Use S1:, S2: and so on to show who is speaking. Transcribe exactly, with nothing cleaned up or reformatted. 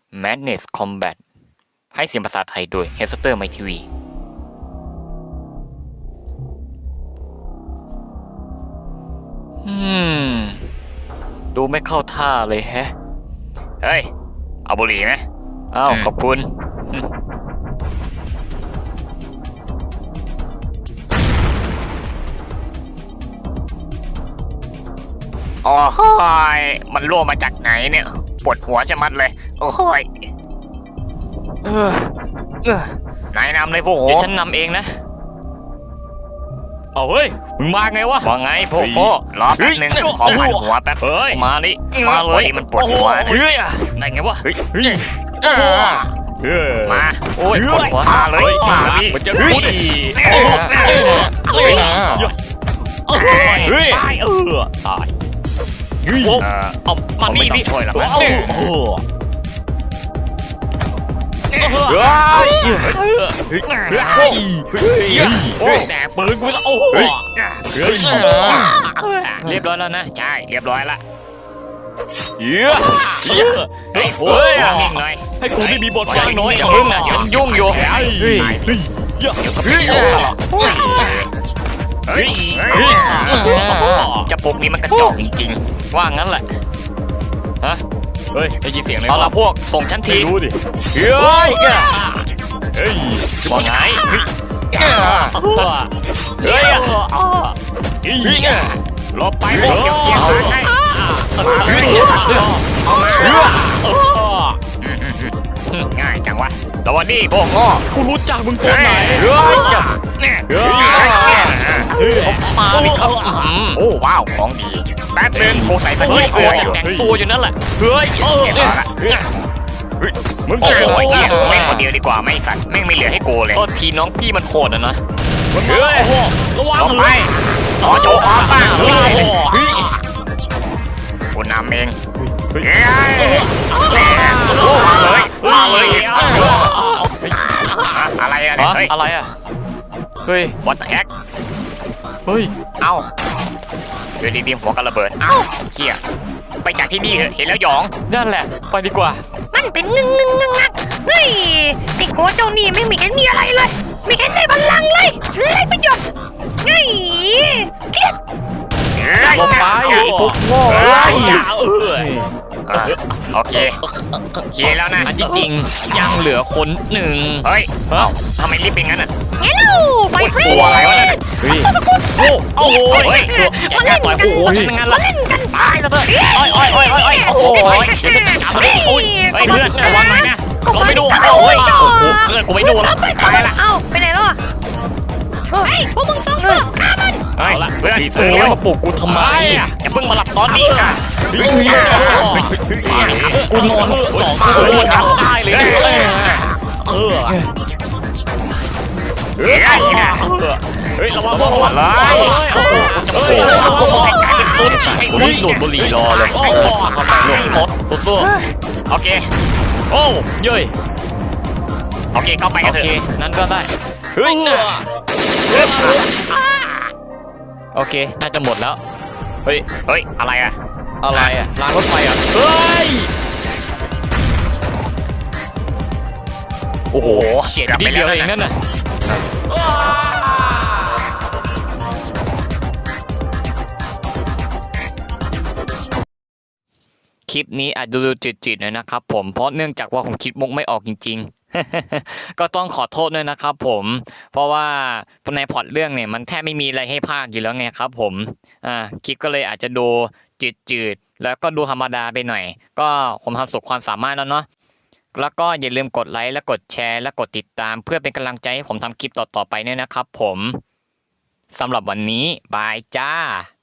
S1: Madness Combat ให้เสียงภาษาไทยโดย Hester My ที วี อืม ดูไม่เข้าท่าเลยแฮะ เฮ้ย เอาบุหรี่ไหมอ้าว ขอบคุณ โอ้ยมันรั่วมาจากไหนเนี่ย ปวดหัวชะมัดเลย โอ้ยเออเออนายนำเลยพวกโหเดี๋ยวฉันนำเองนะ เอาเฮ้ย มึงมาไงวะว่าไงพวกโหรอแป๊บนึงขอผ่านหัวแป๊บ เฮ้ย มานี่มาเลยมันปวดหัวเฮ้ยได้ไงวะ เฮ้ยเฮ้ยมาโอ้ยปวดหัวมาเลยมาดิมันจะพูดดิเฮ้ยเฮ้ยตายเออตายเฮ้ยเอามานี่ดิช่วยหรอกนะเฮ้ยเฮ้ยโอ้ยแต่ปืนกูจะโอ้โหเรียบร้อยแล้วนะใช่เรียบร้อยละเยอะเยอะเฮ้ยโอ้ยนิ่งหน่อยให้กูได้มีบทบาทน้อยอย่าพึ่งนะอย่ายุ่งอยู่เฮ้ยเฮ้ยเฮ้ยเฮ้ยเฮ้ยจะปุกนี้มันกระจอกจริงๆว่างั้นแหละฮะเฮ้ยได้ยินเสียงเลยเอาละพวกส่งฉันทีดูดิเฮ้ยเฮ้ยว่าไงเฮ้ยเฮ้ยเฮ้ยรอไปพวกเก็บเสียงให้เฮ้ยเข้ามาง่ายจังวะสวัสดีพวกง้อกูรู้จักมึงตัวไหนเฮ้ยเนี่ยเฮ้ยเฮ้ยมาดิครับโอ้ว้าวของดีแป๊บนึงกูใส่สกิลเสื้ออยู่แต่งตัวอยู่นั่นแหละเฮ้ยเออเนี่ยมึงเจอไอ้เหี้ยแม่งคนเดียวดีกว่าไม่สัตว์แม่งไม่เหลือให้กูเลยโทษทีน้องพี่มันโหดอ่ะนะเฮ้ยระวังไปขอโจออฟบ้างเฮ้ยกูนำเองเฮ้ยมาเลยมาเลยอะไรอะเนี่ยเฮ้ยอะไรอะเฮ้ย what the heck เฮ้ยเอ้าอยู่ดีๆหัวกันระเบิดเอ้าเหี้ยไปจากที่นี่เถอะเห็นแล้วหยองนั่นแหละไปดีกว่า
S2: มันเป็นงึงงึงงึงงักเฮ้ยไอ้โง่เจ้านี่ไม่มีเห็นมีอะไรเลยไม่เห็นได้บัลลังก์เลยไรประโยชน์เฮ้ยเครียด
S1: ลงไปพวกโง่อย่าเออโอเคเคลียร์แล้วนะจริงๆยังเหลือคนหนึ่งเฮ้ยเอ้าทำไมรีบเป็นงั้นอ่ะ
S2: เฮ้ยไปเฟรนด์
S1: อะไรวะเนี่ยเฮ้ยโอ้โหแกกล้าต่อยคู่หูฉันงั้นล่ะตายซะเถอะโอ้ยโอ้ยโอ้ยโอ้ยโอ้ยเดี๋ยวจะจัดการมันโอ้ยเฮ้ยเพื่อนระวังหน่อยนะเราไม่ดูโอ้ยโอ้โหเพื่อนกูไม่ดูแล้วตายละ
S2: เอ้าไปไหนแล้วอ่ะเฮ้ยพวกมึงสองคนฆ่ามัน
S1: เฮ้ยเพื่อนเสือมาปลุกกูทำไมอย่าเพิ่งมาหลับตอนนี้อ่ะกูนอนต่อสู้มันทำได้เลยเออเฮ้ยเฮ้ยระวังระวังเลยโอ้โหจะมาโอ้โหให้กลายเป็นซุนไอ้อุ้ยโดดบุหรี่รอเลยโอ้โหเข้าไปหลบรถสู้ๆโอเคโอ้เย้ยโอเคเข้าไปกันเถอะนั่นก็ได้เฮ้ยโอเคน่าจะหมดแล้วเฮ้ยเฮ้ยอะไรอะอะไรอะรางรถไฟอะเฮ้ยโอ้โหเฉียดนิดเดียวเองนั่นน่ะคลิปนี้อาจดูจืดๆหน่อยนะครับผมเพราะเนื่องจากว่าผมคิดมุกไม่ออกจริงๆก็ต้องขอโทษด้วยนะครับผมเพราะว่าในพล็อตเรื่องเนี่ยมันแทบไม่มีอะไรให้พากย์อยู่แล้วไงครับผมอ่าคลิปก็เลยอาจจะดูจืดๆแล้วก็ดูธรรมดาไปหน่อยก็ผมทำสุดความสามารถแล้วเนาะแล้วก็อย่าลืมกดไลค์และกดแชร์และกดติดตามเพื่อเป็นกำลังใจให้ผมทำคลิปต่อๆไปด้วยนะครับผมสำหรับวันนี้บายจ้า